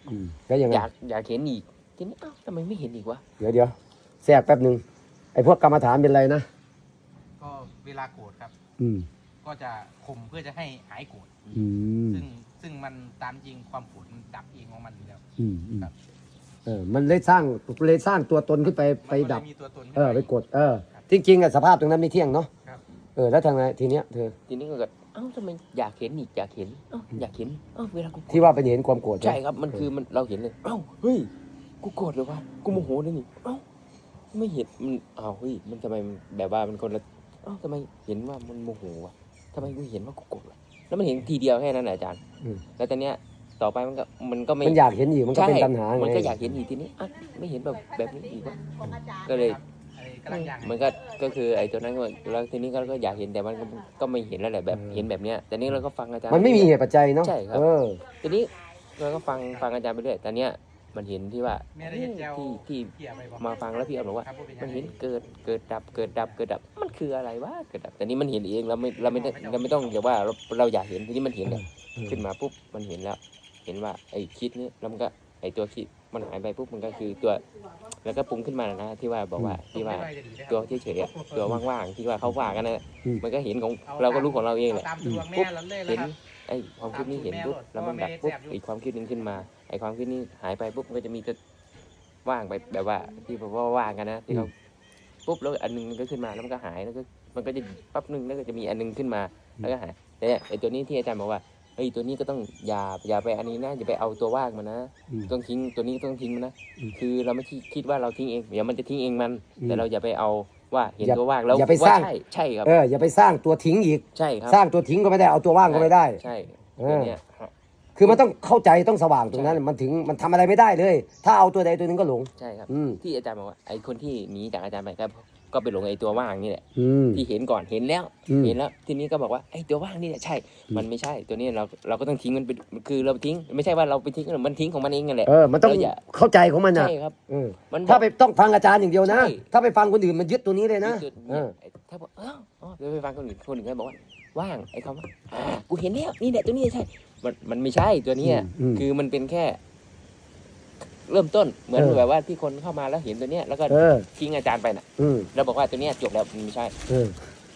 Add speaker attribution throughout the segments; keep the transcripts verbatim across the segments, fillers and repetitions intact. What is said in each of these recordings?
Speaker 1: แล้วยังไง
Speaker 2: อยากอยากเห็นอีกทีนี้อ้าวทำไมไม่เห็นอีกวะ
Speaker 1: เดี๋ยวเดี๋ยวแทรกแป๊บหนึ่งไอ้พวกกรรมฐานเป็นไรนะ
Speaker 3: ก็เวลาโกรธครับ
Speaker 1: อืม
Speaker 3: ก็จะข่มเพื่อจะให้หายโกรธ
Speaker 1: อืม
Speaker 3: ซึ่งซึ่งมันตามจริงความโกรธมันดับเองของมันอยู่แล้ว
Speaker 1: อืมอืม
Speaker 3: ครับ
Speaker 1: เออมันเลยสร้างเลยสร้างตัวตนขึ้นไปไป
Speaker 3: มันก็เลย
Speaker 1: ดับ
Speaker 3: มีตัวตนขึ้น
Speaker 1: เออไป
Speaker 3: มา
Speaker 1: กดเออจริงๆอะสภาพตรงนั้นไม่เที่ยงเนาะ
Speaker 3: ครับ
Speaker 1: เออแล้วทางไงทีเนี้ยเธอ
Speaker 2: ทีนี้ก็เกิดเอ้าทำไมอยากเห็นอีกอยากเห็นเอ้าอยากเห็นเอ้าเวลากูโกรธ
Speaker 1: ที่ว่าไปเห็นความโกรธ
Speaker 2: ใช่ครับมันคือมันเราเห็นเลยเอ้าเฮ้ยกูโกรธเลยวะกูโมโหเลยนี่เอ้าไม่เห็นมันอ้าวเฮ้ยมันทำไมมันแบบว่ามันคนละเอ้าทำไมเห็นว่ามันโมโหวะทำไมกูเห็นว่ากูโกรธวะแล้วมันเห็นทีเดียวแค่นั้นนะอาจารย์แล้วตอนเนี้ยต่อไปมันก็มันก็ไม่
Speaker 1: มันอยากเห็นอีกมันก็เป็นตัณหาไง
Speaker 2: มันก็อยากเห็นอีกทีนี้อ่ะไม่เห็นแบบแบบนี้อีกวะก็เลย
Speaker 3: ไอ้กำลังอย่าง
Speaker 2: มันก็ก็คือไอ้ตัวนั้นก็แล้วทีนี้ก็ก็อยากเห็นแต่มันก็ก็ไม่เห็นแล้วแหละแบบเห็นแบบเนี้ยแต่นี้เราก็ฟังอาจารย์
Speaker 1: มันไม่มีเหตุปัจจัยเนาะ
Speaker 2: ใช่ครับ
Speaker 1: เออ
Speaker 2: ทีนี้เราก็ฟังฟังอาจารย์ไปเรื่อยแต่เนี้ยมันเห็นที่ว่า
Speaker 3: แม่ได้เห็นแจว
Speaker 2: ที่ที่
Speaker 3: เกี่ยไปบอก
Speaker 2: มาฟังแล้วพี่เอาบอกว่า
Speaker 3: ครับพูดป็
Speaker 2: มัน
Speaker 3: ยังไง
Speaker 2: เห็นเกิดเกิดดับเกิดดับเกิดดับมันคืออะไรวะเกิดดับแต่นี้มันเห็นเองเราไม่เราไม่ได้เราไม่ต้องอย่าว่าเราเราอยากเห็นทีนี้มันเห็นเนี่ยขึ้นมาปุ๊บมันเห็นแล้ว เห็นว่าไอ้คิดนี่แล้วมันก็ไอ้ตัวคิดมันหายไปปุ๊บมันก็คือตัว แล้วก็ปรุงขึ้นมานะที่ว่าบอกว่าที่ว่าตัวเฉยๆอะตัวว่างๆที่ว่าเขาว่ากันนะมันก็เห็นของเราก็รู้ของเราเองแหละ
Speaker 3: ตามดวงแม่
Speaker 2: ปุ๊บ
Speaker 3: เราเลย
Speaker 2: เห็น
Speaker 3: ครับ
Speaker 2: ไอ้ความคิดนี้เห็นปุ๊บแล้วมันดับปุ๊บอีกความคิดหนึงขึ้นมาไอ้ความคิดนี้หายไปปุ๊บมันก็จะมีตัวว่างไปแบบว่าที่แบบว่าว่างกันนะที่เขาปุ๊บแล้วอันนึงก็ขึ้นมาแล้วมันก็หายแล้วก็มันก็จะปั๊บนึงแล้วก็จะมีอันนึงขึ้นมาแล้วก็หายแต่ไอ้ตัวนี้ที่อาจารย์บอกว่าเฮ้ยตัวนี้ก็ต้องอย่าอย่าไปอันนี้นะอย่าไปเอาตัวว่างมันนะต้องทิ้งตัวนี้ต้องทิ้งมันนะคือเราไม่คิดว่าเราทิ้งเองเดี๋ยวมันจะทิ้งเองมันแต่เราอย่าไปเอาว่าเห็นตัวว่างแล้ว
Speaker 1: อย่าไปสร้าง
Speaker 2: ใช่ใช่ครับ
Speaker 1: เอออย่าไปสร้างตัวทิ้งอีก
Speaker 2: ใช่ครับ
Speaker 1: สร้างตัวทิ้งก็ไม่ได้เอาตัวว่างก็ไม่ได้
Speaker 2: ใช่
Speaker 1: เอ
Speaker 2: ตัว
Speaker 1: อ
Speaker 2: เนี้ย
Speaker 1: คือมันต้องเข้าใจต้องสว่างตรงนั้นมันถึงมันทำอะไรไม่ได้เลย ถ้าเอาตัวใดตัวหนึงก็หลง
Speaker 2: ใช่ครับ
Speaker 1: อืม
Speaker 2: ที่อาจารย์บอกว่าไอ้คนที่หนีจากอาจารย์ไปก็ก็ไปหลงไอ้ตัวว่างนี่แหละ
Speaker 1: อืม
Speaker 2: ที่เห็นก่อนเห็นแล้ว
Speaker 1: อืม
Speaker 2: เห็นแล้วทีนี้ก็บอกว่าไอ้ตัวว่างนี่แหละใช่ มันไม่ใช่ตัวนี้เราเราก็ต้องทิ้งมันไปคือเราทิ้งไม่ใช่ว่าเราไปทิ้งมันทิ้งของมันเองนั่นแหละ
Speaker 1: เออมันต้อง
Speaker 2: เราอย่า
Speaker 1: เข้าใจของมันนะ
Speaker 2: ใช่ครับ
Speaker 1: เออ
Speaker 2: มัน
Speaker 1: ถ้าไปต้องฟังอาจารย์อย่างเดียวนะ
Speaker 2: ใช่
Speaker 1: ถ้าไปฟังคนอื่นมันยึดตัวนี้เลยนะ
Speaker 2: จุด
Speaker 1: เอ
Speaker 2: เนี่ย
Speaker 1: อ
Speaker 2: ถ้าบอกเอออ๋อเดี๋ยวไปฟังคนอื่นคนอื่นก็บอกว่าว่างไอ้คำว่าอ่ากูเห็นแล้วนี่แหละตัวนี้ใช่ มันมันไม่ใช่ตัวเนี้ย
Speaker 1: อืม
Speaker 2: คือมันเป็นแค่ เริ่มต้นเหมือน
Speaker 1: เออ
Speaker 2: แบบว่าที่คนเข้ามาแล้วเห็นตัวเนี้ยแล้วก็
Speaker 1: เออ
Speaker 2: ทิ้งอาจารย์ไปน่ะ
Speaker 1: อืม
Speaker 2: แล้วบอกว่าตัวเนี้ยจบแล้วมันไม่ใช่
Speaker 1: เออ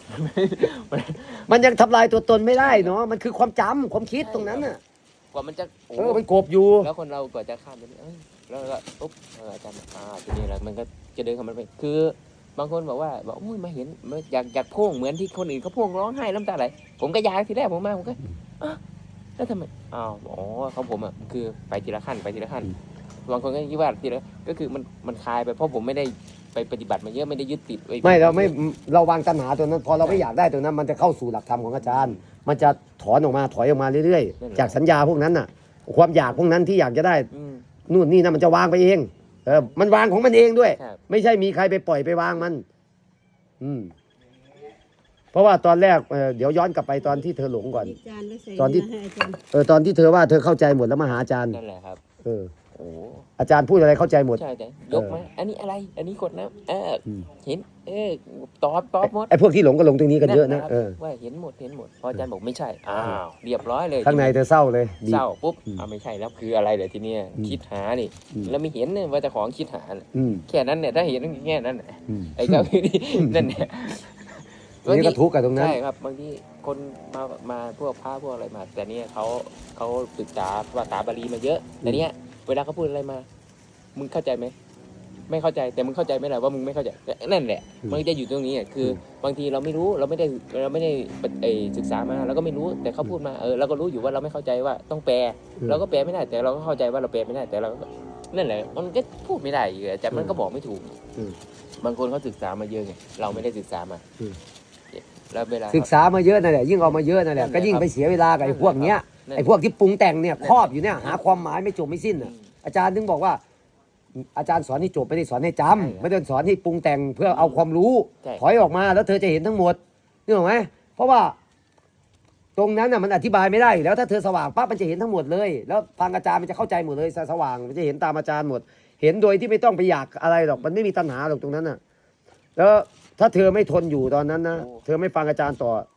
Speaker 1: มันยังทำลายตัวตนไม่ได้เนาะมันคือความจำความคิดตรงนั้นน่ะ
Speaker 2: กว่ามันจะโอ้
Speaker 1: เออมันกบอยู่
Speaker 2: แล้วคนเรากว่าจะข้ามตัวนี้เอ้ยแล้วก็ปุ๊บเอออาจารย์บอกอ่าตัวนี้แหละมันก็จะเดินเข้ามันไปคือบางคนบอกว่าบอกอุ้ยมาเห็นมาอยากอยากพ่วงเหมือนที่คนอื่นเขาพ่วงร้องไห้น้ำตาไหลผมก็อยากทีแรกผมมาผมก็อ่ะแล้วทำไมอ้าวอ๋อของผมอ่ะคือไปทีละขั้นไปทีละขั้นบางคนก็คิดว่าทีละก็คือมันมันคลายไปเพราะผมไม่ได้ไปปฏิบัติมาเยอะไม่ได้ยึดติดว้
Speaker 1: ไม่เราไม่เราวางตัณหาตัวนั้น พอเราไม่อยากได้ตัวนั้น มันจะเข้าสู่หลักธรรมของอาจารย์ มันจะถอนออกมาถอยออกมาเรื่อยๆ จากสัญญาพวกนั้นน่ะ ความอยากพวกนั้นที่อยากจะได้
Speaker 2: อืม
Speaker 1: นู่นนี่นะมันจะวางไปเองเออมันวางของมันเองด้วย
Speaker 2: ครับ
Speaker 1: ไม่ใช่มีใครไปปล่อยไปวางมัน อืม เพราะว่าตอนแรกเอ่อเดี๋ยวย้อนกลับไปตอนที่เธอหลงก่อน
Speaker 4: จานไว้ใส่
Speaker 1: ตอนที่
Speaker 4: เให้อาจารย์
Speaker 1: เออตอนที่เธอว่าเธอเข้าใจหมดแล้วมาหาอาจารย์
Speaker 2: นั่นแหละครับ
Speaker 1: เออ
Speaker 2: โอ้
Speaker 1: อาจารย์พูดอะไรเข้าใจหมด
Speaker 2: ใช่แต่ยกมาอันนี้อะไร อันนี้กดน้ำเอออ
Speaker 1: ม
Speaker 2: เห็น เออตอบตอบหมด
Speaker 1: ไอ้พวกที่หลงก็หลงตรงนี้กันเยอะนะ
Speaker 2: ครับ
Speaker 1: เออ
Speaker 2: ว่าเห็นหมดเห็นหมดพออาจารย์บอกไม่ใช่อ้าวเรียบร้อยเลย
Speaker 1: ข้างในเธอเศร้าเลยดี
Speaker 2: เศร้าปุ๊บ
Speaker 1: อืม
Speaker 2: อ้าวไม่ใช่แล้วคืออะไรเดี๋ยวทีเนี้ย
Speaker 1: อืม
Speaker 2: คิดหานี่
Speaker 1: อืม
Speaker 2: แล้วไม่เห็นเนี่ยว่าแต่ของคิดหาน่ะ
Speaker 1: อืม
Speaker 2: แค่นั้นเนี่ยถ้าเห็นแค่นั้นน่ะ
Speaker 1: อืม
Speaker 2: ไอ้เจ้าคือนี่นั่นเนี่ย
Speaker 1: ทีนี้ก็ทุกข์กับตรงนั้น
Speaker 2: ใช่ครับบางทีคนมามาพวกพระพวกอะไรมา แต่เนี่ยเขาเขาศึกษาภาษาบาลีมาเยอะแต่เนี่ยเวลาเขาพูดอะไรมา มึงเข้าใจไหมไม่เข้าใจแต่มึงเข้าใจไหมล่ะว่ามึงไม่เข้าใจนั่นแหละ
Speaker 1: อืม
Speaker 2: มันจะอยู่ตรงนี้อ่ะคืออ บางทีเราไม่รู้เราไม่ได้เราไม่ได้เอ่อศึกษามาเราก็ไม่รู้แต่เขาพูดมาเออเราก็รู้อยู่ว่าเราไม่เข้าใจว่าต้องแปล
Speaker 1: อืม
Speaker 2: เราก็แปลไม่ได้แต่เราก็เข้าใจว่าเราแปลไม่ได้แต่เราก็นั่นแหละมันก็พูดไม่ได้อยู่แต่มันก็บอกไม่ถูก
Speaker 1: อืม
Speaker 2: บางคนเขาศึกษามาเยอะไงเราไม่ได้ศึกษามา
Speaker 1: อืม
Speaker 2: แล้วเวลา
Speaker 1: ศึกษามาเยอะนั่นแหละยิ่งเอามาเยอะนั่นแหละ
Speaker 2: นั่นแหละ
Speaker 1: ก็ยิ่งไปเสียเวลากับไอ้พวกเนี้ย
Speaker 2: นั่น
Speaker 1: ไอ้พวกที่ปรุงแต่งเนี่ย
Speaker 2: นั่น
Speaker 1: ครอบอยู่เนี่ยหาความหมายไม่จบไม่สิ้น
Speaker 2: อื
Speaker 1: อ่ะ
Speaker 2: ม
Speaker 1: อาจารย์ถึงบอกว่า อาจารย์สอนให้จบไม่ได้สอนให้จำ
Speaker 2: ใช่ครับ
Speaker 1: ไม่ได้สอนให้ปรุงแต่งเพื่อเอาความรู้
Speaker 2: ใช่
Speaker 1: ถอยออกมาแล้วเธอจะเห็นทั้งหมดนึกออกไหมเพราะว่า ตรงนั้นน่ะมันอธิบายไม่ได้อยู่แล้วถ้าเธอสว่างปั๊บมันจะเห็นทั้งหมดเลย แล้วฟังอาจารย์มันจะเข้าใจหมดเลยสว่างมันจะเห็นตามอาจารย์หมด เห็นโดยที่ไม่ต้องไปอยากอะไรหรอกมันไม่มีตัณหาหรอกตรงนั้นน่ะ แล้วถ้าเธอไม่ทนอยู่ตอนนั้นนะ
Speaker 2: โอ้
Speaker 1: เธอไม่ฟังอาจารย์ต่อ เ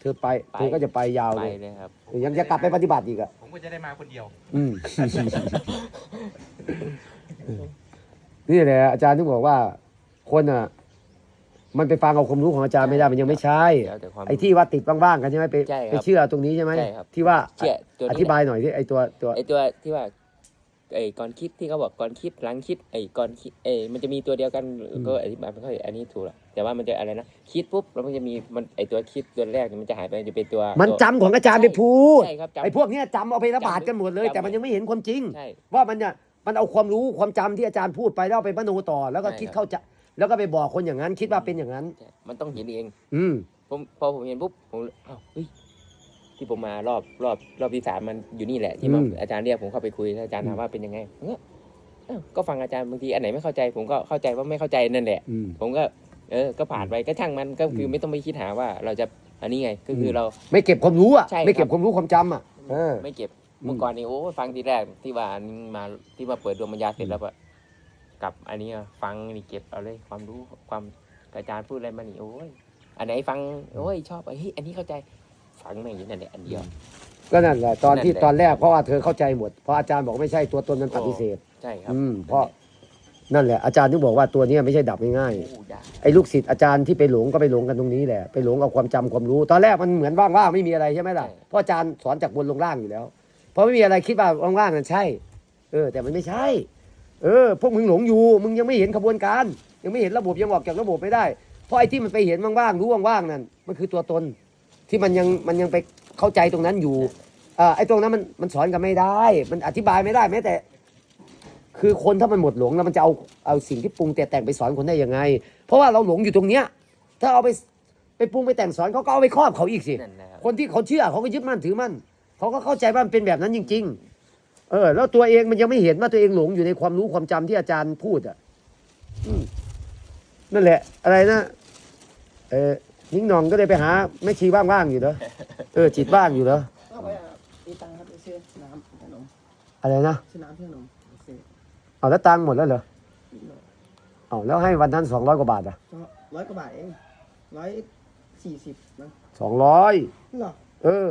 Speaker 1: เธอไปเธอก็จะไปยาว
Speaker 2: ไป
Speaker 1: เลย
Speaker 2: เลยครับ
Speaker 1: ยังจะกลับไปปฏิบัติอีกอ่ะ
Speaker 3: ผมก็จะได้มาคนเดียว
Speaker 1: อืม นี่แหละอาจารย์ถึงบอกว่า คนอ่ะ มันไปฟังเอาความรู้ของอาจารย์ไม่ได้มันยังไม่ใช่
Speaker 2: แล้วแต่ความ
Speaker 1: ไอ้ที่ว่าติดบ้างๆกันใช่ไหมไป
Speaker 2: ใช่ครับ
Speaker 1: ไปเชื่อตรงนี้ใช่ไหม
Speaker 2: ใช่ครับ
Speaker 1: ที่ว่า
Speaker 2: เชื่อตัวนี้
Speaker 1: อธิบายหน่อยที่ไอ้ตัวตัว
Speaker 2: ไอตัวที่ว่าไอ้ก่อนคิดที่เขาบอกก่อนคิดหลังคิดไอ้ก่อนคิดเอ้ยมันจะมีตัวเดียวกันก็อธิบายไม่ค่อยอันนี้ถูกหรอกแต่ว่ามันจะอะไรนะคิดปุ๊บแล้วมันจะมีมันไอ้ตัวคิดตัวแรกเนี่ยมันจะหายไปจะเป็นตัว
Speaker 1: มัน
Speaker 2: ตัว
Speaker 1: จำของอาจารย์ไปพูด
Speaker 2: ใช่ครับจำ
Speaker 1: ไอ้พวกเนี้ยจำเอาไประบาดกันหมดเลย
Speaker 2: จำ
Speaker 1: แต่มันยังไม่เห็นความจริง
Speaker 2: ใช่
Speaker 1: ว่ามันเนี่ยมันเอาความรู้ความจำที่อาจารย์พูดไปแล้วเอาไปมโนต่อ แล้วก็
Speaker 2: ใช่
Speaker 1: คิด
Speaker 2: ครับ
Speaker 1: เข้าใจแล้วก็ไปบอกคนอย่างนั้น คิดว่าเป็นอย่างนั้น
Speaker 2: ใช่มันต้องเห็นเอง
Speaker 1: อืม
Speaker 2: ผมพอผมเห็นปุ๊บผมอ้าวเฮ้ยที่ผมมารอบรอบรอบที่สามมันอยู่นี่แหละที่มา
Speaker 1: อืม
Speaker 2: อาจารย์เรียกผมเข้าไปคุยแล้วอาจารย์ถามว่าเป็นยังไงผมก็อ้าวก็ฟังอาจารย์บางทีอันไหนไม่เข้าใจ ผมก็เข้าใจว่าไม่เข้าใจนั่นแหละ
Speaker 1: อืม
Speaker 2: ผมก็เออก็ผ่านไปก็ช่างมันก็คือ
Speaker 1: ม
Speaker 2: ไม่ต้องไปคิดหาว่าเราจะอันนี้ไงก็คือเรา
Speaker 1: ไม่เก็บความรู้อ่ะ
Speaker 2: ใช่ครับ
Speaker 1: ไม่เก็บความรู้ความจำอ่ะเออ
Speaker 2: ไม่เก็บ
Speaker 1: อืม
Speaker 2: เมื่อก่อนนี่โอ้ฟังทีแรกที่ว่าอันนี้มาที่มาเปิดดวงปัญญาเสร็จแล้วอะกลับอันนี้อะฟังนี่เก็บเอาเลยความรู้ความอาจารย์พูดอะไรมานี่โอ้ยอันไหนฟังโอ้ยชอบเฮ้ยอันนี้เข้าใจฟังแม่งอยู่นั่นแหละอันเดียว
Speaker 1: ก็นั่นแหละตอนที่
Speaker 2: นั่นแหละ
Speaker 1: ตอนแรกเพราะว่าเธอเข้าใจหมดเพราะอาจารย์บอกไม่ใช่ตัวตนนั้นปฏิเสธ
Speaker 2: ใช่ครับ
Speaker 1: อืมเพราะนั่นแหละอาจารย์ถึงบอกว่าตัวเนี้ยไม่ใช่ดับง่าย
Speaker 2: โอ้ยาก
Speaker 1: ๆไอ้ลูกศิษย์อาจารย์ที่ไปหลงก็ไปหลงกันตรงนี้แหละไปหลงเอาความจำความรู้ ตอนแรกมันเหมือนว่างๆไม่มีอะไรใช่ไหมล่ะเพราะอาจารย์สอนจากบนลงล่างอยู่แล้วเพราะไม่มีอะไรคิดว่าว่างๆนั่นใช่ เออ แต่มันไม่ใช่ เออ พวกมึงหลงอยู่ มึงยังไม่เห็นขบวนการ ยังไม่เห็นระบบยังออกจากระบบไม่ได้ เพราะไอ้ที่มันไปเห็นว่างๆรู้ว่างๆนั่นมันคือตัวตน ที่มันยังมันยังไปเข้าใจตรงนั้นอยู่อ่าไอ้ตรงนั้นมันมันสอนกันไม่ได้ มันอธิบายไม่ได้แม้แต่ คือคนถ้ามันหมดหลงแล้วมันจะเอาเอาสิ่งที่ปรุงแต่แต่งไปสอนคนได้ยังไง เพราะว่าเราหลงอยู่ตรงเนี้ย ถ้าเอาไปไปปรุงไปแต่งสอนเขาก็เอาไปครอบเขาอีกสิ
Speaker 2: นั่นนะครับ
Speaker 1: คนที่เขาเชื่อเขาก็ยึดมั่นถือมั่นเขาก็เข้าใจว่ามันเป็นแบบนั้นจริง ๆ เออ แล้วตัวเองมันยังไม่เห็นว่าตัวเองหลงอยู่ในความรู้ความจำที่อาจารย์พูดอ่ะอืมนั่นแหละ อะไรนะเออนิ้งหนองก็เลยไปหาแม่ชีว่างๆอยู่เหรอเออจิตว่างอยู่เหรอ
Speaker 4: ก็ไปตีตังค์ครับไปซื้อน้ำขนม
Speaker 1: อะไรนะ
Speaker 4: ซื้อน้ำขนมไปซื้อ
Speaker 1: เอาแล้วตังค์หมดแล้วเหรอ
Speaker 4: นิดหน่อย
Speaker 1: เอาแล้วให้วันนั้นสองร้อยกว่าบาทอ่ะ
Speaker 4: ก็ร้อยกว่าบาทเองร้อยสี่สิบนะ
Speaker 1: สองร้อย
Speaker 4: เหรอ
Speaker 1: เออ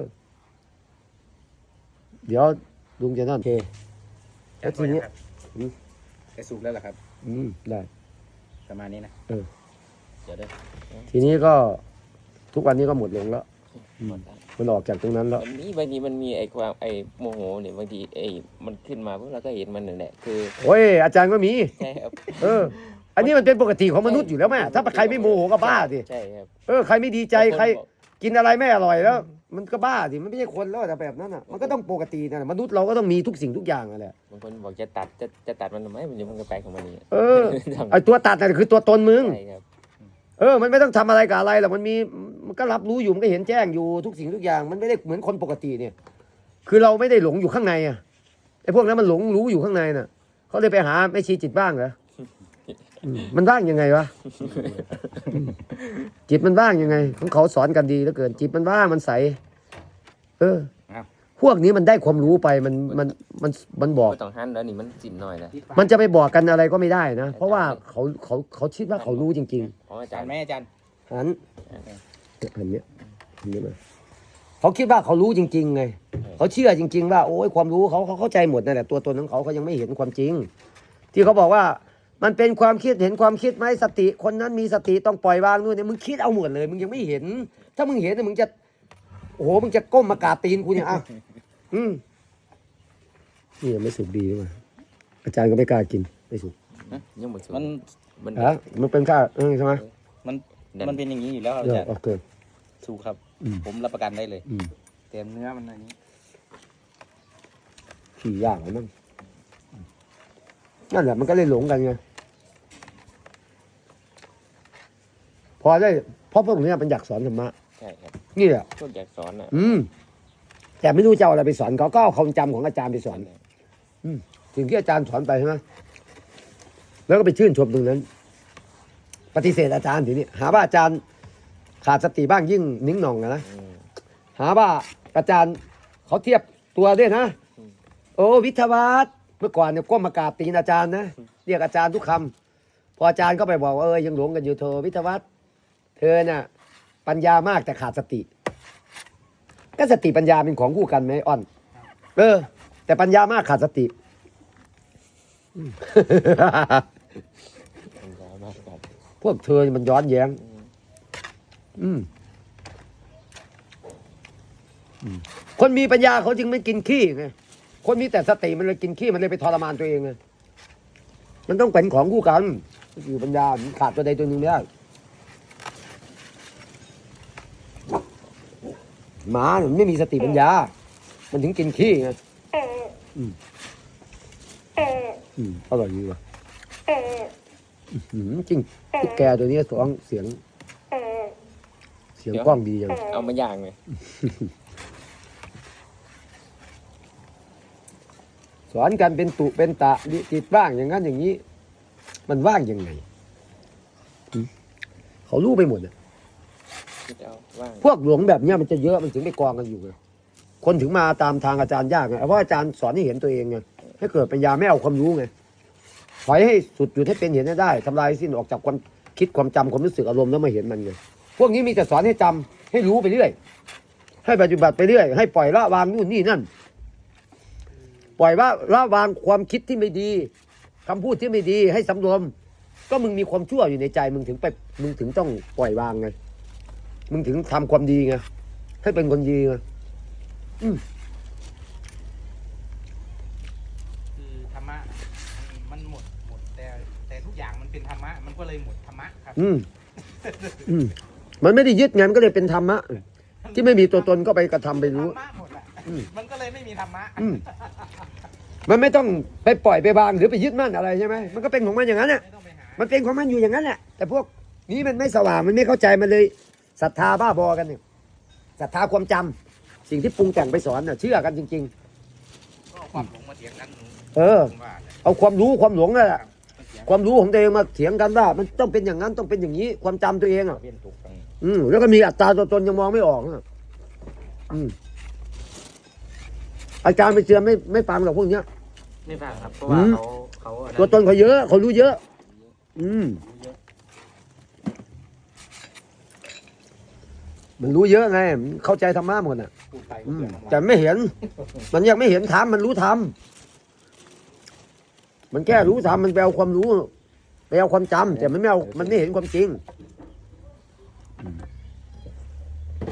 Speaker 1: เดี๋ยวลุงจะนั่นโอเคแล้วทีนี้
Speaker 3: ไอ้สุกแล้วเหรอครับ
Speaker 1: อืมได้
Speaker 3: ประมาณนี้นะ
Speaker 1: เออ
Speaker 3: เดี๋ยวเด้อ
Speaker 1: ทีนี้ก็ทุกวันนี้ก็หมดลงแล้ว
Speaker 2: หมดแล้ว
Speaker 1: มันออกจากตรงนั้นแล้ว
Speaker 2: มันมีบางทีมันมีไอ้ความไอ้โมโหเนี่ยบางทีไอ้มันขึ้นมาพวกเราก็เห็นมันนั่นแหละคือ
Speaker 1: โอ้ยอาจารย์ก็มี
Speaker 2: ใช่ครับ
Speaker 1: เออ อันนี้มันเป็นปกติของมนุษย์อยู่แล้วแม่ถ้าใครไม่โมโหก็บ้าสิ
Speaker 2: ใช่ครับ
Speaker 1: เออใครไม่ดีใจ
Speaker 2: บางคน
Speaker 1: ใคร
Speaker 2: บอก
Speaker 1: กินอะไรไม่อร่อยแล้ว มันก็บ้าสิมันไม่ใช่คนแล้วแต่แบบนั้นอ่ะมันก็ต้องปกตินะมนุษย์เราก็ต้องมีทุกสิ่งทุกอย่างนั่นแหละ
Speaker 2: บางคนบอกจะตัดจะจะตัดมันทำไมมันยังมันก็ไปของมันนี่
Speaker 1: เออไอตัวตัดน่ะคือตัวตนมึง
Speaker 2: ใช่ครับ
Speaker 1: เออ มันไม่ต้องทำอะไรกับอะไรหรอกมันมีมันก็รับรู้อยู่มันก็เห็นแจ้งอยู่ทุกสิ่งทุกอย่าง มันไม่ได้เหมือนคนปกติเนี่ย คือเราไม่ได้หลงอยู่ข้างในอ่ะไอพวกนั้นมันหลงรู้อยู่ข้างในน่ะเขาเลยไปหาแม่ชีจิตบ้างเหรออืมมันว่างยังไงวะอืมจิตมันว่างยังไงของเขาสอนกันดีเหลือเกิน จิตมันว่างมันใส เออ พวกนี้มันได้ความรู้ไปมันมันมันมันบอก
Speaker 2: ไม่ต้องหันแล้วนี่มันสินหน่อยนะ
Speaker 1: มันจะไปบอกกันอะไรก็ไม่ได้นะ เพราะว่าเขาเขาเขาคิดว่าเขารู้จริง
Speaker 2: อ๋ออา
Speaker 3: อา
Speaker 2: จา
Speaker 3: จาร ร
Speaker 2: ย์
Speaker 3: ย์แม่อาจารย์
Speaker 1: ๆหันหันเนี้ยหันเนี้ยมาเขาคิดว่าเขารู้จริงๆไงเขาเชื่อจริง ๆ ว่าโอ้ยความรู้เขาเขาเข้าใจหมดนั่นแหละตัวตนของเขาเขายังไม่เห็นความจริง ที่เขาบอกว่า มันเป็นความคิดเห็นความคิดไหมสติคนนั้นมีสติต้องปล่อยวางนู่นเนี่ยมึงคิดเอาหมดเลย มึงยังไม่เห็น ถ้ามึงเห็นเนี่ยมึงจะโอ้โหมึงจะก้มมากราบตีนกูเนี่ยอ่ะอืมนี่ยังไม่สุกดีด้วยอาจารย์ก็ไม่กล้ากินไม่สุก
Speaker 2: ยังหมดสุด
Speaker 3: มัน
Speaker 2: มัน
Speaker 1: ฮะมันเป็นข้าวเออใช่ไหม
Speaker 3: มันมันเป็นอย่างนี้อยู่แล้วครับ
Speaker 1: เอ
Speaker 3: อา
Speaker 1: อ
Speaker 3: จารย์
Speaker 1: โอเค
Speaker 3: สุกครับ
Speaker 1: อืม
Speaker 3: ผมรับประกันได้เลย
Speaker 1: อืม
Speaker 3: แต่เนื้อมันอะไรนี้
Speaker 1: ขี่ย่างแล้วมั้งนั่นแหละมันก็เลยหลงกันไงพอได้เพราะพวกนี้มันอยากสอนธรรมะ
Speaker 2: ใช่ครับ
Speaker 1: นี่แหละ
Speaker 2: พวกอยากสอนอ่ะ
Speaker 1: อืมแต่ไม่รู้จะเอาอะไรไปสอนเขาก็เอาความจำของอาจารย์ไปสอนสิ่งที่อาจารย์สอนไปใช่ไหมแล้วก็ไปชื่นชมตรงนั้น ปฏิเสธอาจารย์ทีนี้หาว่าอาจารย์ขาดสติบ้างยิ่งนิ่งหน่องนะนะ
Speaker 2: อืม
Speaker 1: หาว่าอาจารย์เขาเทียบตัวด้วยนะ
Speaker 2: อืม
Speaker 1: โอ้วิทยาวัฒน์เมื่อก่อนเนี่ยก้มมากราบตีนอาจารย์นะเรียกอาจารย์ทุกคำพออาจารย์ก็ไปบอกว่าเออยังหลงกันอยู่เธอวิทยาวัฒน์เธอน่ะ ปัญญามากแต่ขาดสติก็สติปัญญาเป็นของคู่กันไหมอ้อนเออ แต่ปัญญามากขาดสติอืม
Speaker 2: ปัญญามากกัน
Speaker 1: พวกเธอมันย้อนแย้ง อืมอืมคนมีปัญญาเขาจึงไม่กินขี้ไงคนมีแต่สติมันเลยกินขี้มันเลยไปทรมานตัวเองไงมันต้องเป็นของคู่กันอยู่ปัญญามันขาดตัวใดตัวหนึ่งไม่ได้หมาเนี่ยมันไม่มีสติปัญญา มันถึงกินขี้ไงอืมอืมอร่อยดีว่ะอืมจริงตุ๊กแกตัวนี้สองเสียง เสียงกล้องดีจัง
Speaker 2: เอามาย่างเลย
Speaker 1: สอนกันเป็นตุเป็นตะดิจิตบ้างอย่างนั้นอย่างนี้ มันว่างยังไงหืมเขารู้ไปหมดอะ
Speaker 2: คิดเอาว่าง
Speaker 1: พวกหลวงแบบเนี้ยมันจะเยอะมันถึงไปกองกันอยู่ไงคนถึงมาตามทางอาจารย์ยากไงเพราะอาจารย์สอนให้เห็นตัวเองไงให้เกิดปัญญาไม่เอาความรู้ไงถอยให้สุดจุดให้เป็นเห็นให้ได้ทำลายสิ้นออกจากความคิดความจำความรู้สึกอารมณ์แล้วมาเห็นมันไงพวกนี้มีแต่สอนให้จำให้รู้ไปเรื่อยให้ปฏิบัติไปเรื่อยให้ปล่อยละวางนู่นนี่นั่น ปล่อยว่าละวางความคิดที่ไม่ดีคำพูดที่ไม่ดีให้สำรวมก็มึงมีความชั่วอยู่ในใจมึงถึงไปมึงถึงต้องปล่อยวางไงมึงถึงทำความดีไงให้เป็นคนดีไงอืม
Speaker 3: คือธรรมะมันมันหมดหมดแต่แต่ทุกอย่างมันเป็นธรรมะมันก็เลยหมดธรรมะครับ
Speaker 1: อืมอืมมันไม่ได้ยึดไงมันก็เลยเป็นธรรมะที่ไม่มีตัวตนก็ไปกระทำไปรู้
Speaker 3: ธรรมะหมดแหละ
Speaker 1: อืม
Speaker 3: มันก็เลยไม่มีธรรมะ
Speaker 1: อืมมันไม่ต้องไปปล่อยไปวางหรือไปยึดมั่นอะไรใช่ไหมมันก็เป็นของมันอย่างนั้นแหละ
Speaker 3: ไม่ต้องไปหา
Speaker 1: มันเป็นของมันอยู่อย่างนั้นแหละแต่พวกนี้มันไม่สว่างมันไม่เข้าใจมันเลยศรัทธาบ้าบอกันเนี่ยศรัทธาความจำสิ่งที่ปรุงแต่งไปสอนน่ะเชื่อกันจริง
Speaker 3: ก็เอาความหลงมาเถียงกันหนู
Speaker 1: ๆ เออ
Speaker 3: ผมว่าเนี่ย
Speaker 1: เอาความรู้ความหลงนั่นแหละ
Speaker 3: มันเถียง
Speaker 1: ความรู้ของตัวเองมาเถียงกันว่ามันต้องเป็นอย่างนั้นต้องเป็นอย่างนี้ ความจำตัวเองอ่ะ
Speaker 2: เวียนถูกกัน
Speaker 1: อืมแล้วก็มีอัตตาตัวตนยังมองไม่ออกอ่ะอืมอาจารย์ไปเชื่อไม่ไม่ฟังหรอกพวกเนี้ย
Speaker 2: ไม่ฟังครับเพราะว่า
Speaker 1: อืม
Speaker 2: เขาเขาอั
Speaker 1: ตัวตนเขาเยอะเขารู้เยอะ อืมมันรู้เยอะไงมันเข้าใจธรรมะหมดอ่ะ
Speaker 2: พูดไป
Speaker 1: อื
Speaker 2: ก็
Speaker 1: ม
Speaker 2: เปลือง
Speaker 1: แต่ไม่เห็น มันยังไม่เห็นธรรมมันรู้ธรรมมันแค่รู้ธรรมมันไปเอาความรู้ไปเอาความจำแต่มันไม่เอามันไม่เห็นความจริง อืม